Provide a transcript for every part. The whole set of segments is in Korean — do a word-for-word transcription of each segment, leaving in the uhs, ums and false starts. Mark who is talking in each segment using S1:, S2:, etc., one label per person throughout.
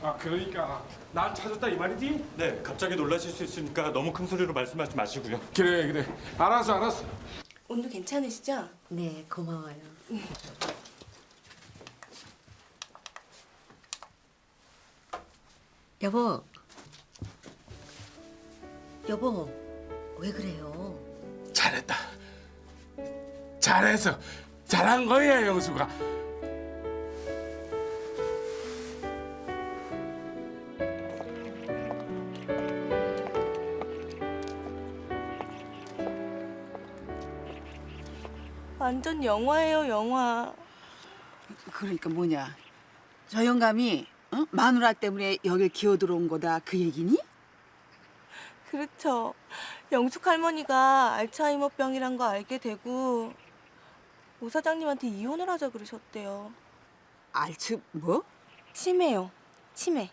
S1: 아 그러니까 날 찾았다 이 말이지?
S2: 네, 갑자기 놀라실 수 있으니까 너무 큰 소리로 말씀하지 마시고요.
S1: 그래 그래 알았어 알았어.
S3: 온도 괜찮으시죠?
S4: 네, 고마워요. 여보. 여보, 왜 그래요?
S1: 잘했다. 잘해서 잘한 거야 영수가.
S3: 완전 영화예요, 영화.
S5: 그러니까 뭐냐? 저 영감이 어? 마누라 때문에 여길 기어 들어온 거다 그 얘기니?
S3: 그렇죠. 영숙 할머니가 알츠하이머병이란 거 알게 되고 오 사장님한테 이혼을 하자 그러셨대요.
S5: 알츠 뭐?
S3: 치매요. 치매.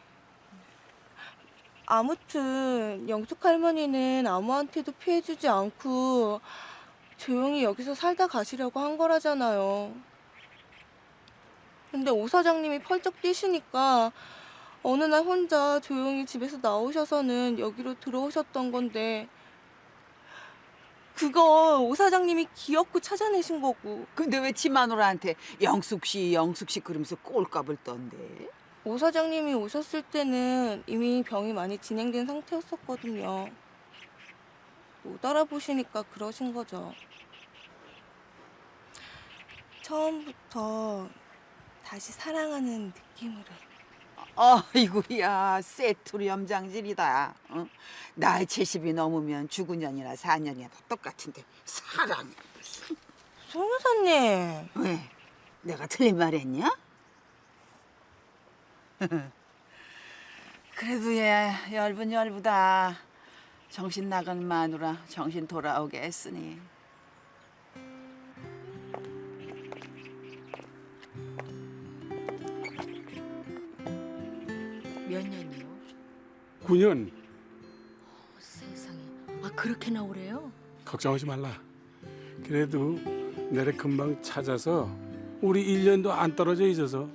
S3: 아무튼 영숙 할머니는 아무한테도 피해주지 않고 조용히 여기서 살다 가시려고 한 거라잖아요. 근데 오 사장님이 펄쩍 뛰시니까 어느 날 혼자 조용히 집에서 나오셔서는 여기로 들어오셨던 건데 그거 오 사장님이 기어코 찾아내신 거고.
S5: 근데 왜 지 마누라한테 영숙 씨, 영숙 씨 그러면서 꼴값을 떤대?
S3: 오 사장님이 오셨을 때는 이미 병이 많이 진행된 상태였었거든요. 못 알아보시니까 그러신 거죠. 처음부터 다시 사랑하는 느낌으로.
S5: 아이고야, 세투리 염장질이다. 어? 나이 칠십이 넘으면 죽은 년이나 사년이나 다 똑같은데 사랑.
S3: 송 여사님.
S5: 왜? 내가 틀린 말 했냐? 그래도 얘 열분 열부다. 정신 나간 마누라 정신 돌아오게 했으니.
S4: 몇 년이요?
S1: 구 년.
S4: 어, 세상에. 아, 그렇게나 오래요?
S1: 걱정하지 말라. 그래도 내래 금방 찾아서 우리 일 년도 안 떨어져 있어서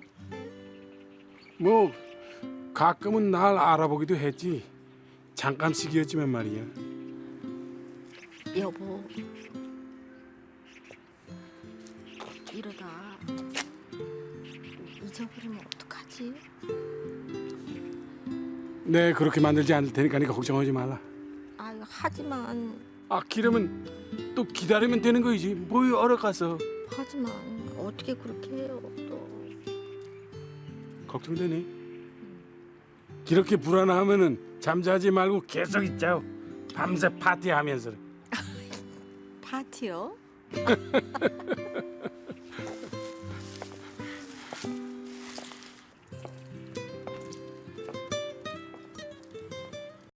S1: 뭐 가끔은 날 알아보기도 했지. 잠깐씩이었지만 말이야.
S4: 여보. 이러다 잊어버리면 어떡하지?
S1: 네 그렇게 만들지 않을 테니까 니가 걱정하지 말라.
S4: 아유, 하지만
S1: 아 기르면 또 기다리면 되는 거이지. 뭐 얼어가서
S4: 하지만 어떻게 그렇게 해요? 또
S1: 걱정되니? 이렇게 불안하면은 잠자지 말고 계속 있자요. 밤새 파티하면서.
S4: 파티요?